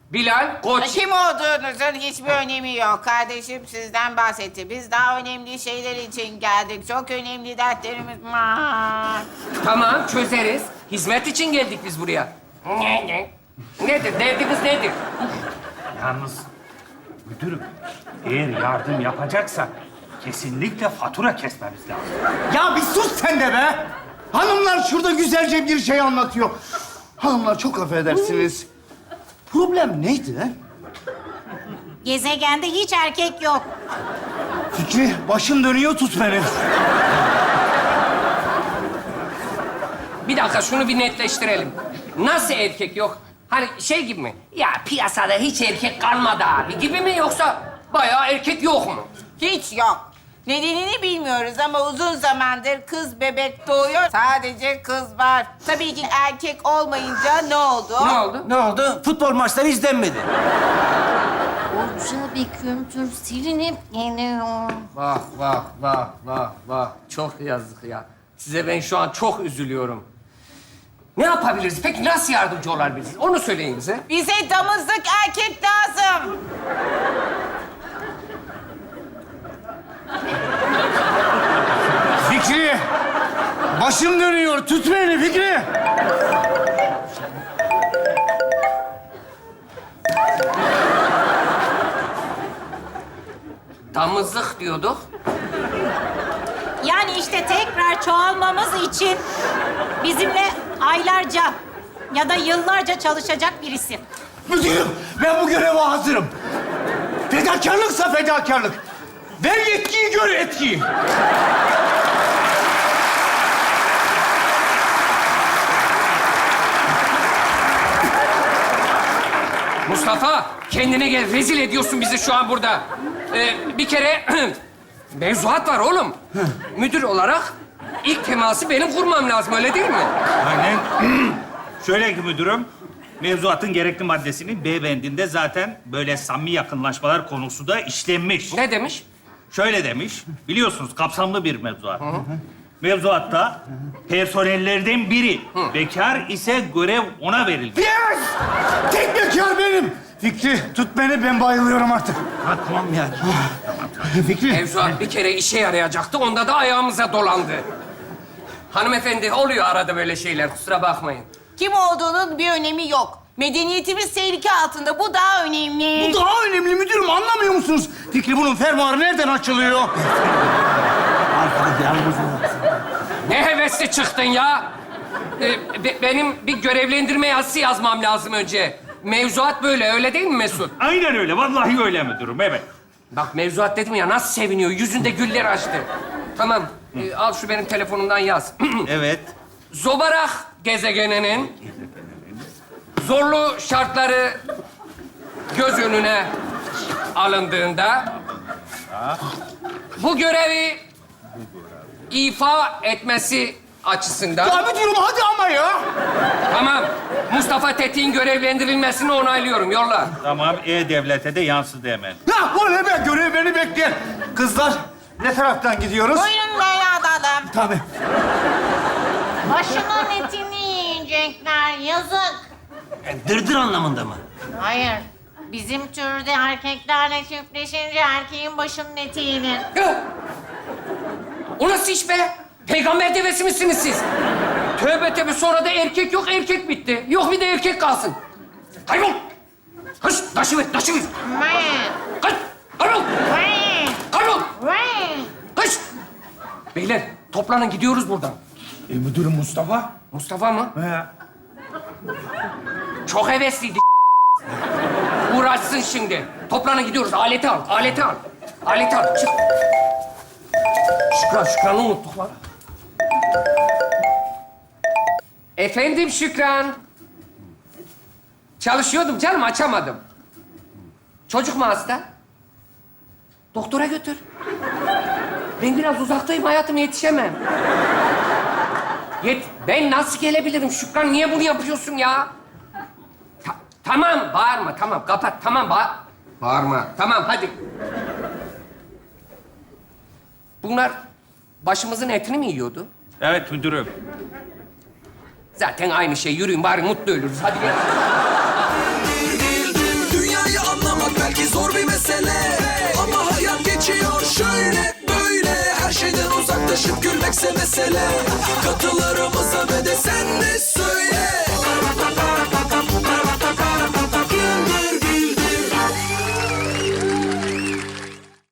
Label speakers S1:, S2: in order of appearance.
S1: Bilal Koç.
S2: Kim olduğunuzun hiçbir önemi yok. Kardeşim sizden bahsetti. Biz daha önemli şeyler için geldik. Çok önemli dertlerimiz var.
S1: Tamam, çözeriz. Hizmet için geldik biz buraya. Nedir? Derdiniz nedir?
S3: Yalnız müdürüm, eğer yardım yapacaksak kesinlikle fatura kesmemiz lazım.
S4: Ya bir sus sen de be! Hanımlar şurada güzelce bir şey anlatıyor. Hanımlar çok affedersiniz. Problem neydi lan?
S5: Gezegende hiç erkek yok.
S4: Fikri, başım dönüyor, tut beni.
S1: Bir dakika, şunu bir netleştirelim. Nasıl erkek yok? Hani şey gibi mi? Ya piyasada hiç erkek kalmadı abi gibi mi, yoksa bayağı erkek yok mu?
S2: Hiç yok. Nedenini bilmiyoruz ama uzun zamandır kız bebek doğuyor. Sadece kız var. Tabii ki erkek olmayınca ne oldu?
S1: Ne oldu?
S6: Ne oldu? Futbol maçları izlenmedi.
S5: Koca bir kültür silinip geliyor.
S1: Vah vah vah vah vah. Çok yazık ya. Size ben şu an çok üzülüyorum. Ne yapabiliriz? Peki nasıl yardımcı olabiliriz? Onu söyleyin bize.
S2: Bize damızlık erkek lazım.
S4: Fikri, başım dönüyor, tut beni Fikri.
S1: Damızlık diyorduk.
S5: Yani işte tekrar çoğalmamız için bizimle aylarca ya da yıllarca çalışacak birisi.
S4: Müdürüm, ben bu göreve hazırım. Fedakarlıksa fedakarlık. Ver yetkiyi, gör etkiyi.
S1: Mustafa, kendine gel. Rezil ediyorsun bizi şu an burada. Bir kere mevzuat var oğlum. Müdür olarak ilk teması benim kurmam lazım, öyle değil mi?
S3: Aynen. Şöyle ki müdürüm, mevzuatın gerekli maddesinin B bendinde zaten böyle samimi yakınlaşmalar konusu da işlenmiş.
S1: Ne demiş?
S3: Şöyle demiş, biliyorsunuz kapsamlı bir mevzuat. Mevzuatta personellerden biri bekar ise görev ona verilir.
S4: Yes! Tek bekar benim. Fikri, tut beni, ben bayılıyorum artık.
S6: Ha, tamam yani.
S4: Fikri.
S1: Mevzuat bir kere işe yarayacaktı, onda da ayağımıza dolandı. Hanımefendi, oluyor arada böyle şeyler, kusura bakmayın.
S2: Kim olduğunun bir önemi yok. Medeniyetimiz tehlike altında. Bu daha önemli.
S4: Bu daha önemli müdürüm, anlamıyor musunuz? Fikri, bunun fermuarı nereden açılıyor?
S1: Ne hevesli çıktın ya! Benim bir görevlendirme yazısı yazmam lazım önce. Mevzuat böyle, öyle değil mi Mesut?
S3: Aynen öyle, vallahi öyle müdürüm, evet.
S1: Bak mevzuat dedim ya, nasıl seviniyor, yüzünde güller açtı. Tamam, al şu benim telefonumdan yaz.
S3: Evet.
S1: Zobarak gezegeninin zorlu şartları göz önüne alındığında bu görevi ifa etmesi açısından...
S4: Ya müdürüm, hadi ama ya.
S1: Tamam, Mustafa Tetik'in görevlendirilmesini onaylıyorum, yolla.
S3: Tamam, E-Devlet'e de yansıdı hemen.
S4: Ya bu ne be, görev beni bekleyen. Kızlar, ne taraftan gidiyoruz?
S2: Buyurun böyle alalım.
S4: Tabii.
S5: Başının etini yiyecekler, yazık.
S6: Dırdır anlamında mı?
S5: Hayır, bizim türde erkeklerle çiftleşince erkeğin başının eti yenir.
S1: O nasıl iş be? Peygamber devesi misiniz siz? Tövbe tövbe, sonra da erkek yok, erkek bitti. Yok bir de erkek kalsın. Kaybol! Hış, taşı ver, taşı ver. Kaç, kaybol! Kaybol! Hış! Beyler, toplanın, gidiyoruz buradan.
S4: Müdürüm Mustafa.
S1: Mustafa mı?
S4: He.
S1: Çok hevesliydi. Uğraşsın şimdi. Toplanın, gidiyoruz. Aleti al, aleti al. Aleti al, çık. Şükran'ı unuttuk lan. Efendim Şükran. Çalışıyordum canım, açamadım. Çocuk mu hasta? Doktora götür. Ben biraz uzaktayım hayatım, yetişemem. Ben nasıl gelebilirim Şükran? Niye bunu yapıyorsun ya? Tamam, bağırma, tamam. Kapat, tamam, bağırma. Tamam, hadi. Bunlar başımızın etini mi yiyordu?
S3: Evet müdürüm.
S1: Zaten aynı şey. Yürüyün bari, mutlu ölürüz. Hadi gel.
S7: Sanki zor bir mesele ama hayat geçiyor şöyle böyle. Her şeyden uzaklaşıp gülmekse mesele. Katıl